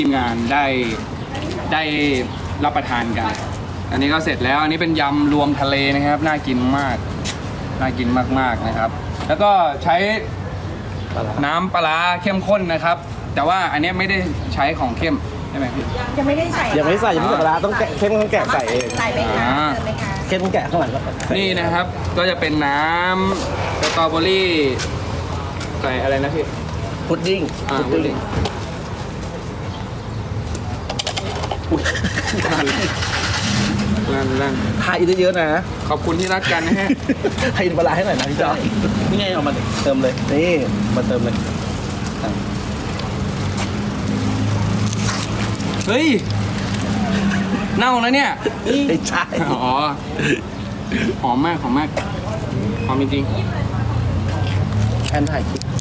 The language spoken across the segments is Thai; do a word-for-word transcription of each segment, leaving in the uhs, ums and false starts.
ทีมงานได้ได้รับประทานกัน อันนี้ก็เสร็จแล้วอันนี้เป็นยำรวมทะเลนะครับน่ากินมากน่ากินมากๆนะครับ แล้วก็ใช้น้ำปลาร้าเข้มข้นนะครับ แต่ว่าอันนี้ไม่ได้ใช้ของเข้มใช่ไหมพี่ยังไม่ได้ใส่ยังไม่ใส่ยังไม่ใส่ปลาร้าต้องแกะเข้มต้องแกะใส่เองใส่ไหมคะอ่าเติมไหมคะเข้มต้องแกะข้างหลังก็ใส่นี่นะครับก็จะเป็นน้ำสตรอเบอรี่ใส่อะไรนะพี่พุดดิ้งอ่าพุดดิ้งนั่นนั่นทายเยอะๆนะขอบคุณที่รักกันนะฮะให้ปลาร้าให้หน่อยนะพี่จอนี่ไงเอามาเติมเลยนี่มาเติมเลยเฮ้ยเน่าแล้วเนี่ยไม่ใช่อ๋อหอมมากหอมมากหอมจริงแอนถ่ายคลิป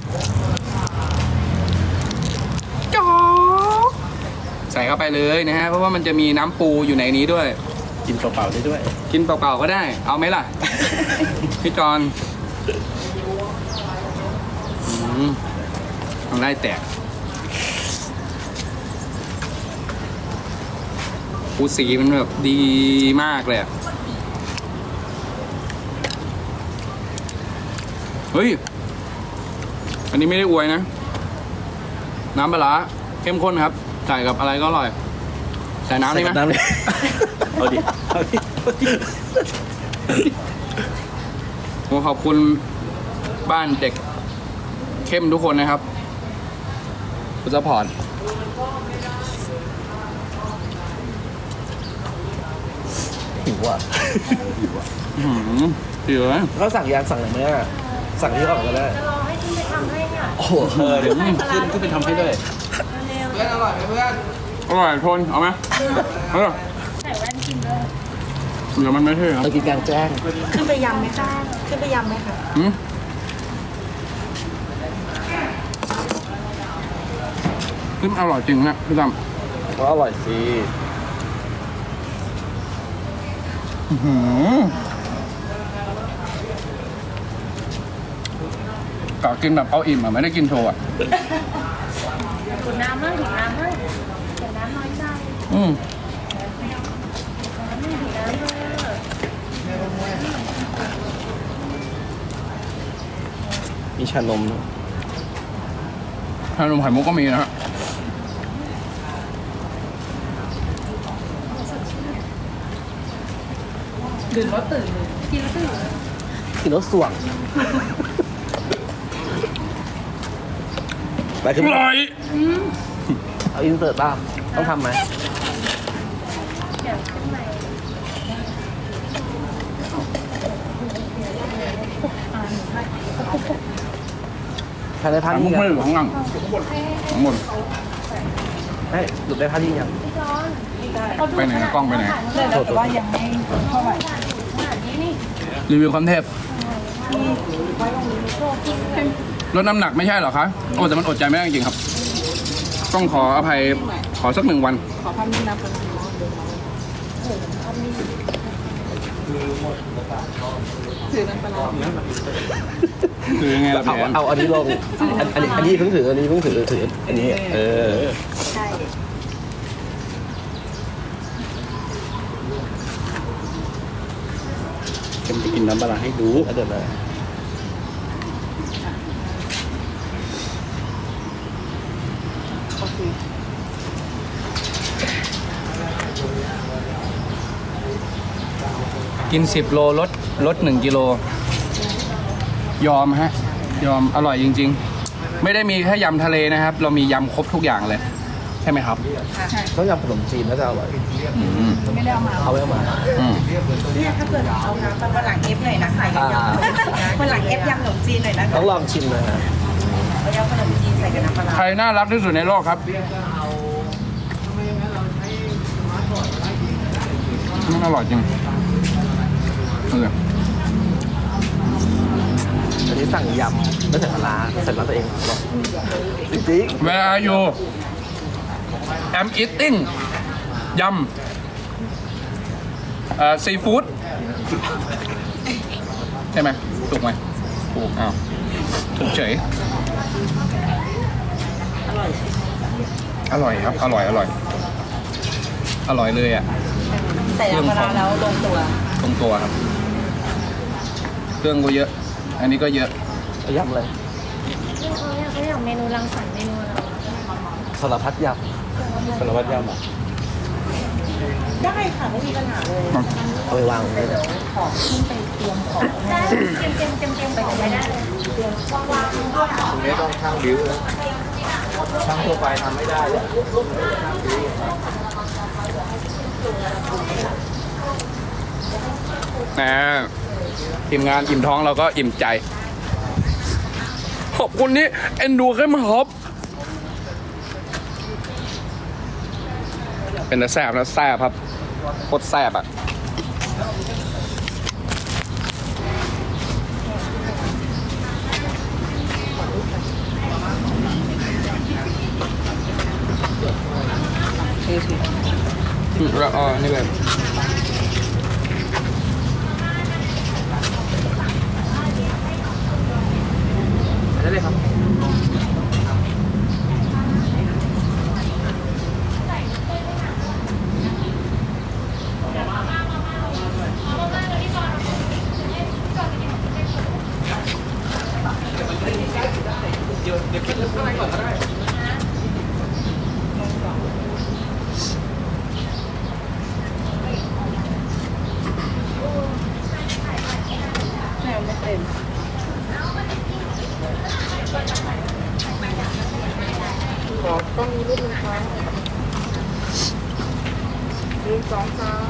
ๆจ๊อกใส่เข้าไปเลยนะฮะเพราะว่ามันจะมีน้ำปูอยู่ในนี้ด้วยกินเปล่าๆได้ด้วยกินเปล่าๆก็ได้ เอาไหมล่ะ พี่จอนอืมทำได้แตกปูสีมันแบบดีมากเลยอะเฮ้ย อันนี้ไม่ได้อวยนะ น้ำปลาร้าเข้มข้นครับ ใส่กับอะไรก็อร่อย ใส่น้ำนี่ไหมน้ำเลยเอาดิเอาดิผมขอบคุณบ้านเด็กเข้มทุกคนนะครับคุณซัพพอร์ตหิวอ่ะอื้อหือหิวไหมเขาสั่งยางสั่งอะไรไหมอ่ะสั่งที่ก่อนก็ได้จะรอให้ขึ้นไปทำให้ค่ะโอ้โหเออเดี๋ยวขึ้นขึ้นไปทำให้ด้วยเพื่อนอร่อยไหมเพื่อนอร่อยทนเอาไหมเอาเหรอใส่แว่นกินด้วยเดี๋ยวมันไม่ใช่ครับเรากินกลางแจ้งขึ้นไปยำไหมคะขึ้นไปยำไหมคะหืมขึ้นอร่อยจริงนะพี่ตั้มก็อร่อยสิอื้อหือกะกินแบบเอาอิ่มอ่ะไม่ได้กินโชว์อ่ะถุงน้ำมั่งถุงน้ำมั่งถุงน้ำน้อยใจอืมน้ำไม่ถุงน้ำเลยมีชานมขนมไข่มุกก็มีนะฮะดื่มแล้วตื่นกินแล้วตื่นกินแล้วส่วงไปขึ้นอร่อยเอาอินเสิร์ตป่ะต้องทำไหมเดี๋ยวขึ้นไปใครได้ไข่ท่ามุนี้กยัไม่งเหลือข้างหลังข้างบนให้หลุดได้ท่านี้ยังไปไหนกล้องไปไหนแต่ว่ายังไม่เท่าไหร่รีวิวคอนเทปลดน้ำหนักไม่ใช่เหรอคะโอ้แต่มันอดใจไม่ได้จริงๆครับ ต้องขออภัยขอสักหนึ่งวันขอพันนี้นะคนถือน้ำปลาคือยังไงล่ะเอาพี่แอนเอาอันนี้ลงอันอันนี้อันนี้เพิ่งถืออันนี้เพิ่งถือถืออันนี้เออใช่เข็มจะกินน้ำปลาให้ดูเดี๋ยวนะโอเคกินสิบโลลดลดหนึ่งกิโลยอมฮะ ยอมอร่อยจริง ๆ ไม่ได้มีแค่ยำทะเลนะครับ เรามียำครบทุกอย่างเลย ใช่ไหมครับต้องยำขนมจีนน่าจะอร่อยอืมไม่ได้เอามาเอาไว้มาอืมเนี่ยถ้าเกิดเอาน้ำวันหลังเอฟหน่อยนะใส่กับยำวันหลังเอฟยำขนมจีนหน่อยนะต้องลองชิมนะฮะเอายำขนมจีนใส่กับน้ำปลาใครน่ารักที่สุดในโลกครับมันอร่อยจริงเอออันนี้สั่งยำไม่ใส่ปลาร้าใส่ปลาตัวเองหรอจริง Where are you I'm eating ยำเอ่อซีฟู้ดใช่ไหมถูกไหมถูกอ้าวถูกเฉยอร่อยอร่อยครับ อร่อย อร่อย อร่อยเลยอ่ะใส่น้ำปลาร้าแล้วลงตัวตรงตัวครับ เครื่องก็เยอะ อันนี้ก็เยอะเอายำเลยเขาอยากเขาอยากเมนูรังสรรค์เมนูอะไรสารพัดยำสารพัดยำอ่ะได้ค่ะไม่มีปัญหาเลยเอาไปวางเลยนะของขึ้นไปเตรียมของได้เตรียมเตรียมเตรียมเตรียมของไปได้เลยเตรียมวางวางก็ได้ตรงนี้ต้องช่างบิ้วนะช่างทั่วไปทำไม่ได้เลยนะทีมงานอิ่มท้องเราก็อิ่มใจ ขอบคุณที่เอ็นดูเข้มฮอปเป็นแต่แซ่บนะแซ่บครับโคตรแซ่บอ่ะ แล้วอ๋อนี่แบบได้เลยครับแนวไม่เต็มขอต้องมีรูปหนึ่งครั้งหนึ่งสองสาม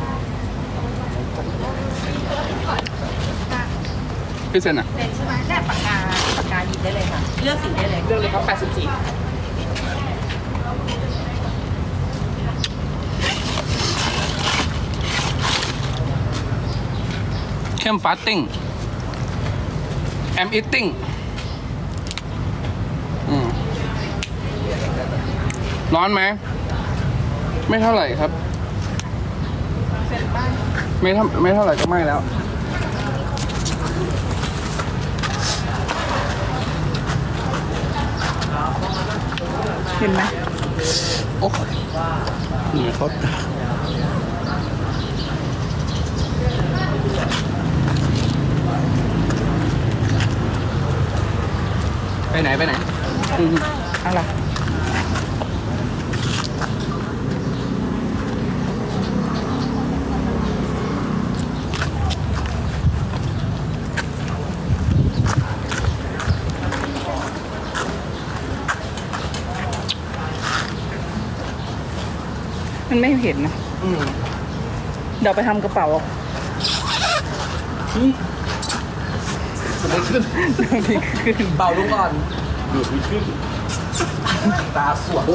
พี่เซนอ่ะเซ็นใช่ไหมแค่ปากกาปากกาหยิบได้เลยค่ะ เลือกสีได้เลย เลือกเลยครับแปดสิบสี่เข้มฟาสติ้งแอมอิตติ้งร้อนไหม ไม่เท่าไหร่ครับเซ็นบ้านไม่เท่าไม่เท่าไหร่ก็ไม่แล้วเห็นไหมโอ้เหนื่อยเขาไปไหน ไปไหนอืมอะไร มันไม่เห็นนะอืมเดี๋ยวไปทำกระเป๋าสมมติขึ้นขึ้นเบาลงก่อนหยุดไม่ขึ้น ตาสวด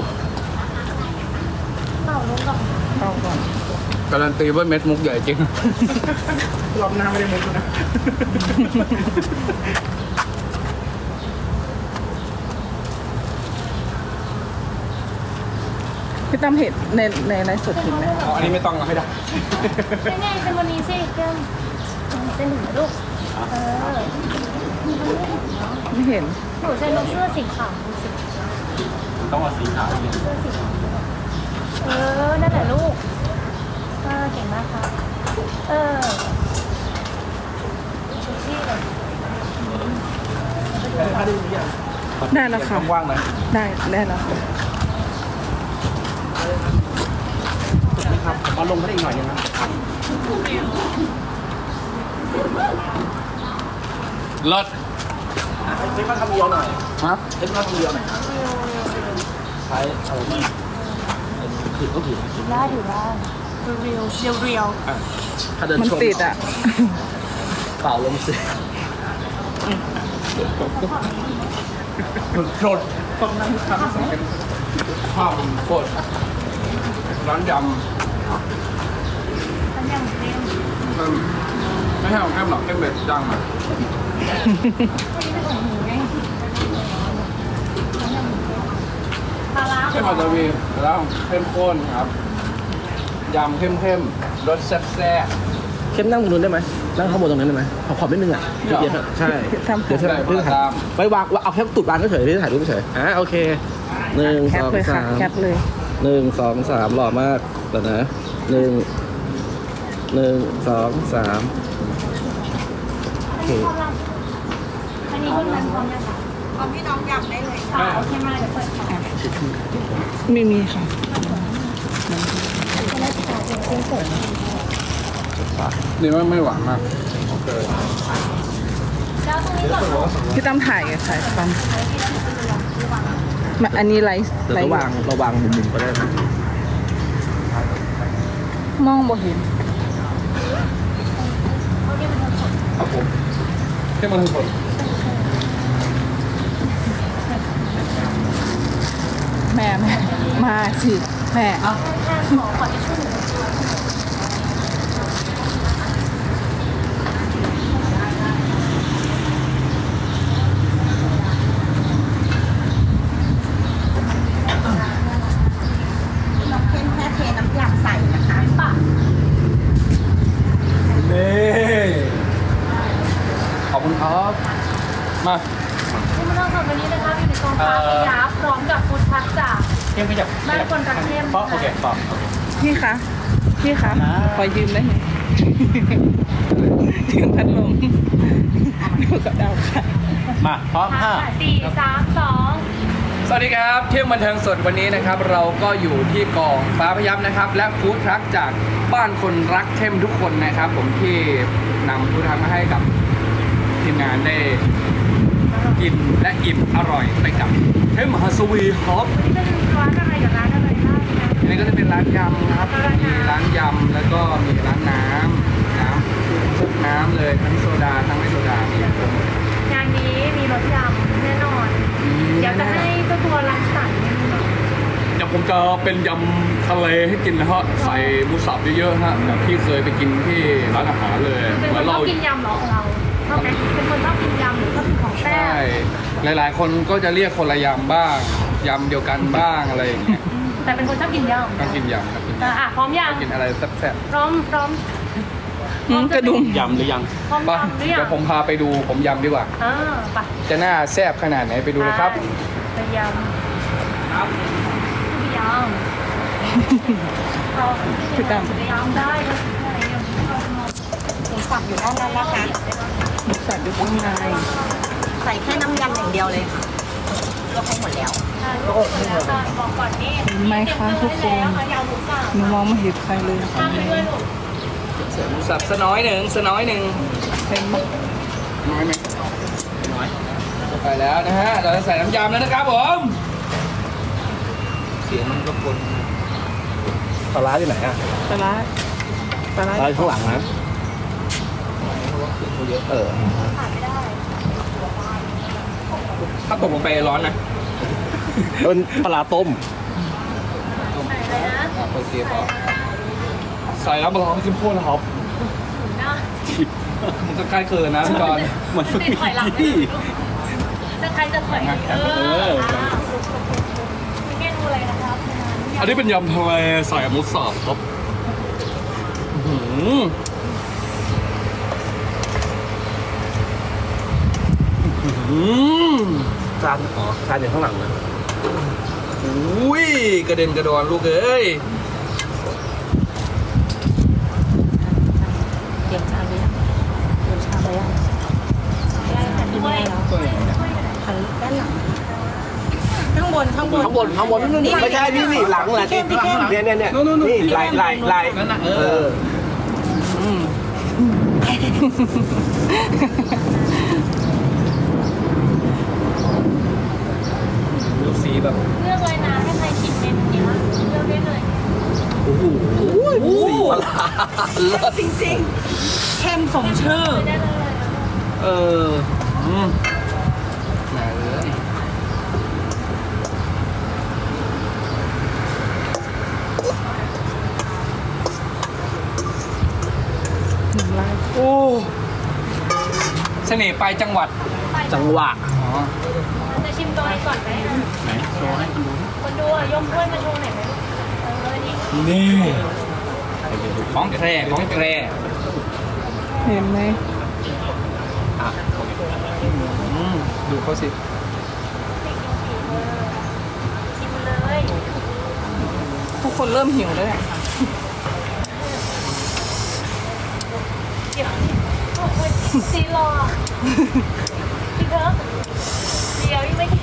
เป่าลงก่อนเอาก่อนการันตีว่าเม็ดมุกใหญ่จริงรอบหน้าไม่ได้มุกนะ พี่ตั้มเห็นในในในสดเห็นไหมอ๋อ อันนี้ไม่ต้องให้ได้เป็นไงเซนโมนีสิเกมเซนหนึ่งลูกเออไม่เห็นหนูเซนลงเสื้อสีขาวดูสิต้องเอาสีขาวเสื้อสีขาวเออนั่นแหละลูกเออเก่งมากครับเออดูสิเลยได้แล้วค่ะว่างๆนะได้ได้แล้วค่ะครับเอาลงมาได้อีกหน่อยนึงครับเลิศเช็คมาทำเดียวหน่อยฮะเช็คมาทำเดียวหน่อยใช้อะไรนี่ผิดก็ผิดได้อยู่ได้เรียวเรียวเรียวถ้าเดินมันชนติดอ่ะเปล่าลงสิชนต้องนั่งทำภาพมันโคตรร้านยำมันยังเต็มมันไม่ให้ของแก้มหรอกแก้มเบ็ดดังอ่ะปลาร้าเข้มอัตวีแล้วเข้มข้นครับ ยำเข้มเข้มๆรสแซ่บแซ่บเข้มนั่งตรงนู้นได้ไหมนั่งข้างบนตรงนั้นได้ไหมขอขอบนิดนึงอ่ะไม่หรอใช่ทำเดี๋ยวเธอได้เพื่อถ่ายตามไว้วางเอาแค่ตูดวางก็เฉยไม่ได้ถ่ายรูปเฉยอ่ะโอเคหนึ่งแคสปองเลยค่ะสามแคปเลยหนึ่งสองสามหล่อมากแล้วนะหนึ่งหนึ่งสองสามโอเคอันนี้คุณมันพร้อมยังคะพร้อมพี่น้องยำได้เลยอ่าโอเคมาเดี๋ยวเปิดค่ะไม่มีค่ะนี่ว่าไม่หวานมากแล้วตรงนี้ก่อนลูกพี่ตั้มถ่ายไงถ่ายฟันมาอันนี้ไลฟ์เดี๋ยวไลระฟ์วังระวังมุมๆก็ได้นะมองบ่เห็นครับผมที่มันสดแม่แม่มาสิแม่แค่ขอขอทิชชู่หนึ่งน้องเข้มแค่เทน้ำยำใส่นะคะปะนี่ขอบคุณครับมาคุณผู้ชมสดวันนี้นะคะอยู่ในกองฟ้าพยาพร้อมกับฟูดทรัคจากเข้มขยับบ้านคนรักเข้มเพราะโอเคต่อพี่คะพี่คะขอยืมได้ไหม ยืมพัดลมดูกับดาวค่ะมาพร้อมห้าสี่สามสองสวัสดีครับเที่ยงบันเทิงสดวันนี้นะครับ เราก็อยู่ที่กองฟ้าพยับนะครับ และฟู้ดทรัคจากบ้านคนรักเข้มทุกคนนะครับ ผมที่นำฟู้ดทรัคมาให้กับทีมงานได้กินและอิ่มอร่อยไปกับเข้มฮัสวีฮอปนี่เป็นร้านอะไรกับร้านอะไรบ้างนะอันนี้ก็จะเป็นร้านยำครับมีร้านยำแล้วก็มีร้านน้ำน้ำทุกน้ำเลยทั้งโซดาทั้งไม่โซดามีครบหมดงานนี้มีรสยำแน่นอน เดี๋ยวจะให้เจ้าตัวรังสรรค์เนี่ยเดี๋ยวผมจะเป็นยำทะเลให้กินนะฮะใส่หมูสับเยอะๆฮะแบบที่เคยไปกินที่ร้านอาหารเลยเป็นเหคมือน นชอเราบกินยำเหรอของเราชอบไหมเป็นคนชอบกินยำหรือชอบกินของแซ่ใช่บหลายๆ คนก็จะเรียกคนละยำบ้างยำเดียวกันบ้างอะไรอย่างเงี้ยแต่เป็นคนชอบกินยำก็กินยำครับกินอ่ะอ่ะพร้อมยังกินอะไรแซ่บพร้อมพร้อมอืมกระดุมยำหรือยังพร้อมๆป่ะยำหรือยังเดี๋ยวผมพาไปดูผมยำดีกว่าอ่าไปจะน่าแซ่บขนาดไหนไปดูเลยครับไปยำครับไปยำเอาพี่ตั้มไปยำได้ก็อะไรยำหมูสับอยู่ด้านนั้นนะคะหมูสับอยู่ข้างในใส่แค่น้ำยำอย่างเดียวเลยค่ะลวกให้หมดแล้วบอกก่อนนี่เห็นไหมคะทุกคนยำหมูสับหนูมองไม่เห็นใครเลยข้ามไปด้วยลูกเสิร์ฟหมูสับสน้อยหนึ่งสน้อยหนึ่งเห็นไหมน้อยไหมน้อยไปแล้วนะฮะเราจะใส่น้ำยำแล้วนะครับผมเสียงมันก็คนปลาร้าที่ไหนอ่ะปลาร้าปลาร้าปลาร้าข้างหลังนะเออขาดไม่ได้ถ้าตกลงไปร้อนนะเป็นปลาร้าต้มใส่เลยนะโอเคพอใส่แล้วมาลองจิ้มโค้นนะครับนะมันก็ใกล้เกินนะพี่จอนมันติดถอยหลังไม่ได้ลูกแต่ใครจะถอยเออเมนูอะไรนะครับอันนี้เป็นยำทะเลใส่หมูสับครับอื้อหืออื้อหือจานอ๋อจานอยู่ข้างหลังนะอุ้ยกระเด็นกระดอนลูกเอ้ยเดี๋ยวชาไปยังเดี๋ยวชาไปยังด้วยหันด้านหลังข้างบนข้างบนข้างบนข้างบนไม่ใช่นี่นี่หลังแหละนี่เนี่ยเนี่ยเนี่ยนี่ไหลไหลไหลเออดูสีแบบเลือกเลยนะให้ใครชิมเมนูนี้เลือกได้เลยโอ้โหสีปลาร้าเลิศจริงๆเข้มสมชื่อได้เลยเอออืมมาเลยหนึ่งลายโอ้เสน่ห์ปลายจังหวัดจังหวะอ๋อจะชิมตัวเองก่อนไหมไหนโชว์ให้คนดูคนดูอ่ะยมถ้วยมาโชว์หน่อยไหมเออนี่นี่ของแคร่ของแคร่เห็นไหมอืมดูเขาสิชิมทุกคนเริ่มหิวแล้วเนี่ยเดี๋ยวซีรอพี่เถอะเดี๋ยวยังไม่กิน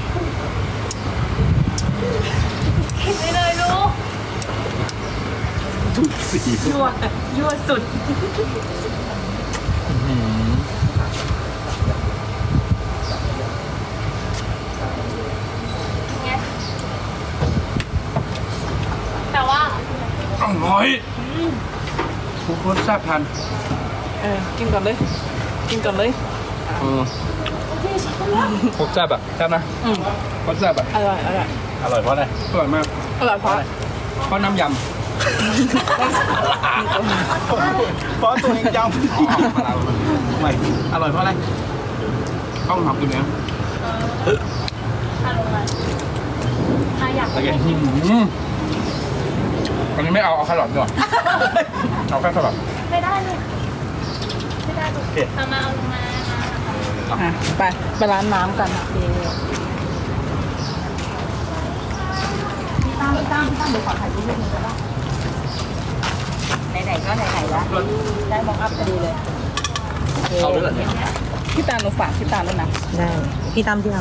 กินไปเลยลูกทุกสียั่วยั่วสุดไงแต่ว่าอร่อยทุกคนแซ่บทันเออกินก่อนเลย กินก่อนเลยเออโคตรแซ่บอะแซ่บนะอืมโคตรแซ่บอะอร่อยอร่อยอร่อยเพราะอะไรอร่อยมากอร่อยเพราะเพราะน้ำยำเพราะตัวเองยำไม่อร่อยเพราะอะไรต้องทำตัวเนี้ยทานลงมาถ้าอยากโอเคอืมอันนี้ไม่เอาเอาแครอทดีกว่าเอาแค่แครอทไม่ได้เลยไม่ได้ลูกเอามาเอาลงมาอ่ะไปไปร้านน้ำกันโอเคพี่ตั้มพี่ตั้มพี่ตั้มเดี๋ยวขอถ่ายรูปนิดนึงได้ปะไหนๆก็ไหนๆแล้วได้มองอัพพอดีเลยเอาด้วยเหรอเนี่ยพี่ตาลหนูฝากพี่ตาลด้วยนะได้พี่ตั้มพี่ตั้ม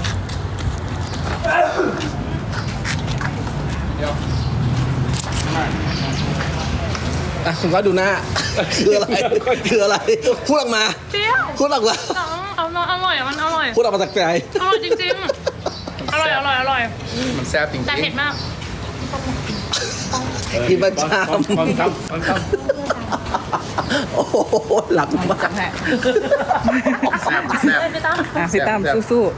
เดี๋ยวไม่อ่ะคุณก็ดูหน้า คืออะไร คืออะไร พูดออกมาเปรี้ยวพูดออกมาเอาเอาอร่อยอ่ะมันอร่อยพูดออกมาจากใจอร่อยจริงๆ อร่อยอร่อยอร่อยมันแซ่บจริงๆแต่เผ็ดมากกินประจตอนครับตอนครับำโอ้โหหลักมากจับให้แซ่บแซ่บไม่ไปตั้มอ่ะพี่ตามแซ่บสู้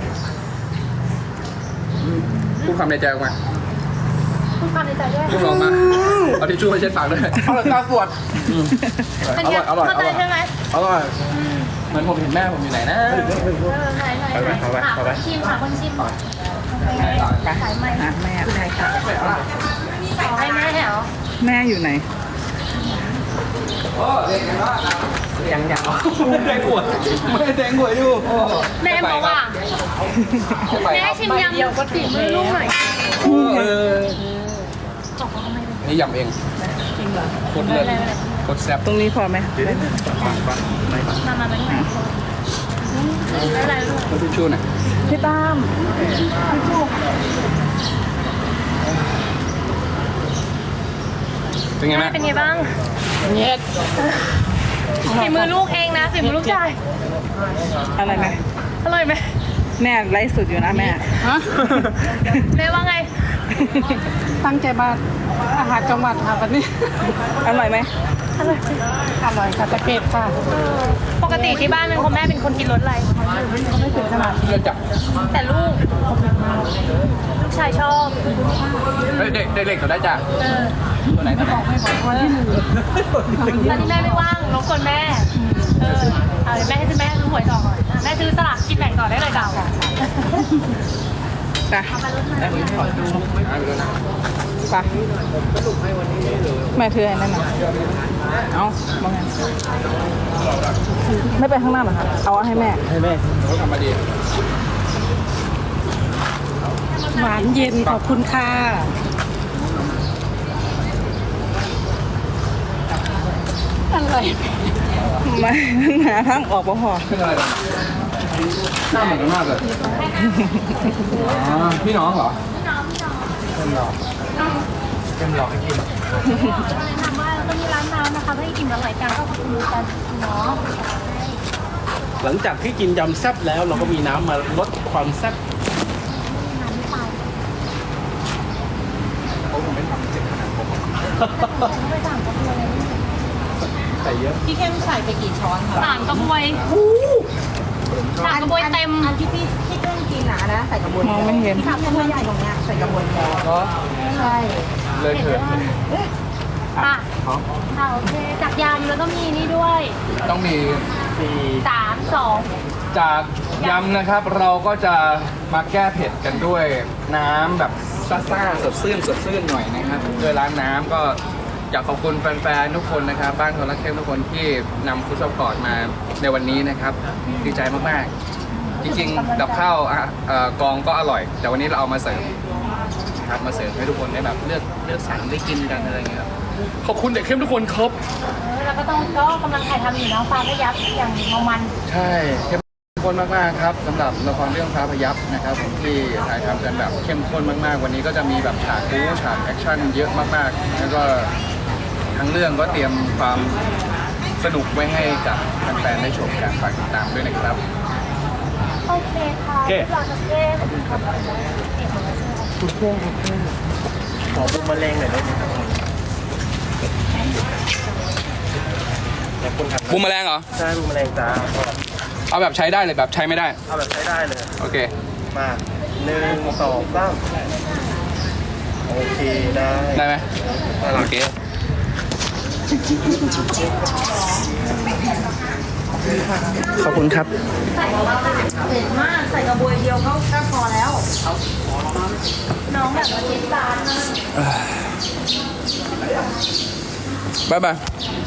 พูดคำในใจออกมาพูดความในใจด้วยพูดออกมาเอาทิชชู่มาเช็ดปากด้วยอร่อยตาสวดเป็นอไงร่อยอร่อยเข้าอใจร่อยใช่ไหมอร่อยเหมือนผมเห็นแม่ผมอยู่ไหนนะเออไหนไหนไหนหาคนชิมหาคนชิมๆไปสายไหมอ่ะแม่แม่ค่ะขอให้แม่เหรอแม่อยู่ไหนโอ้เรียนกันว่ายังยังไม่ได้ขวดไม่ได้แทงขวดอยู่แม่บอกว่าแม่ชิมยำก็ติมือลูกหน่อยเออนี่ยำเองจริงเหรอโคตรเลิศโคตรแซ่บตรงนี้พอไหมมามามาที่ไหนไม่เป็นไรลูกเอาทิชชู่หน่อยพี่ตามเป็นไงแม่เป็นไงบ้างเย็ดฝีมือลูกเองนะฝีมือลูกชายอะไรไหมอร่อยไหมแม่ไลฟ์สดอยู่นะแม่แม่ว่าไงตั้งใจมาอาหารจังหวัดค่ะวันนี้ อร่อยไหมอร่อยอร่อยค่ะตะเกียบค่ะปกติที่บ้านเป็นคนแม่เป็นคนกินรสอะไรไม่ถึงขนาดเลือดจับแต่ลูก ลูกชายชอบเฮ้ยเด็กเด็กๆตัวได้จ้ะเออตัวไหนตัวไหนตอนนี้แม่ไม่ว่างรบกวนแม่ เออเอาเดี๋ยวแม่ให้ซื้อแม่ซื้อหวยต่อก่อนอ่ะแม่ซื้อสลากกินแบ่งต่อได้เลยเก่าไปเอาไปรถมาไปแม่เธอไอ้นั่นน่ะเอาบอกไงไม่ไปข้างหน้าเหรอคะเอาให้แม่ให้แม่เขาทำมาดีหวานเย็นขอบคุณค่ะอะไรไม่หาทางออกบ่พอขึ้นอะไรล่ะหน้าเหมือนกันมากเลยอ๋อพี่น้องเหรอเป็นหลอกเป็นหลอกให้กินแนะนำว่าเราต้องมีร้านน้ำนะคะให้กินอร่อยกันก็ขอบคุณกันเนาะหลังจากที่กินยำแซ่บแล้วเราก็มีน้ำมาลดความแซ่บเขาคงไม่ทำเจ็บขนาดผมไปสั่งกระบวยใส่เยอะพี่เข้มใส่ไปกี่ช้อนคะสามกระบวยสามกระบวยเต็มอันที่พี่พี่เครื่องกินนะนะใส่กระบวยมองไม่เห็นที่ทำให้ตัวใหญ่ตรงเนี้ยใส่กระบวยแทนก็ใช่เลยเถิดค่ะค่ะโอเคจากยำแล้วก็มีนี่ด้วยต้องมีสามสองจากยำนะครับเราก็จะมาแก้เผ็ดกันด้วยน้ำแบบซ่าๆสดชื่นสดชื่นหน่อยนะครับด้วยร้านน้ำก็อยากขอบคุณแฟนๆทุกคนนะครับบ้านคนรักเข้มทุกคนที่นำฟู้ดซัพพอร์ตมาในวันนี้นะครับดีใจมากๆ จริงๆกับข้าวอ่ะเอ่อกองก็อร่อย แต่วันนี้เราเอามาเสริมครับมาเสิร์ฟให้ทุกคนได้แบบเลือกเลือกสรรได้กินกันอะไรเงี้ยครับขอบคุณเด็กเข้มทุกคนครับเออแล้วก็ต้องก็กำลังถ่ายทำอยู่น้องฟ้าพยับอย่างเมามันใช่เข้มข้นมากๆครับสำหรับละครเรื่องพระพยับนะครับผมที่ถ่ายทำกันแบบเข้มข้นมากๆ วันนี้ก็จะมีแบบฉากบู๊ฉากแอคชั่นเยอะมากๆแล้วก็ทั้งเรื่องก็เตรียมความสนุกไว้ให้กับแฟนๆได้ชมกันฝากติดตามด้วยนะครับโอเคค่ะโอเครอสักเกมขอบคุณครับเอกของเราใช่ไหมคุณเพื่อนคุณเพื่อนขอบุมแมลงหน่อยได้ไหมครับแต่คุณทำบูมแมลงเหรอใช่บุมแมลงจ้าเอาแบบใช้ได้เลยแบบใช้ไม่ได้เอาแบบใช้ได้เลยโอเคมาหนึ่งสองสามโอเคได้ได้ไหมน่ารัโอก เค ขอบคุณครับเผ็ดมากใส่กระบวยเดียวก็ก็พอแล้วน้องแบบมาเจ็ดจานนะบ๊ายบาย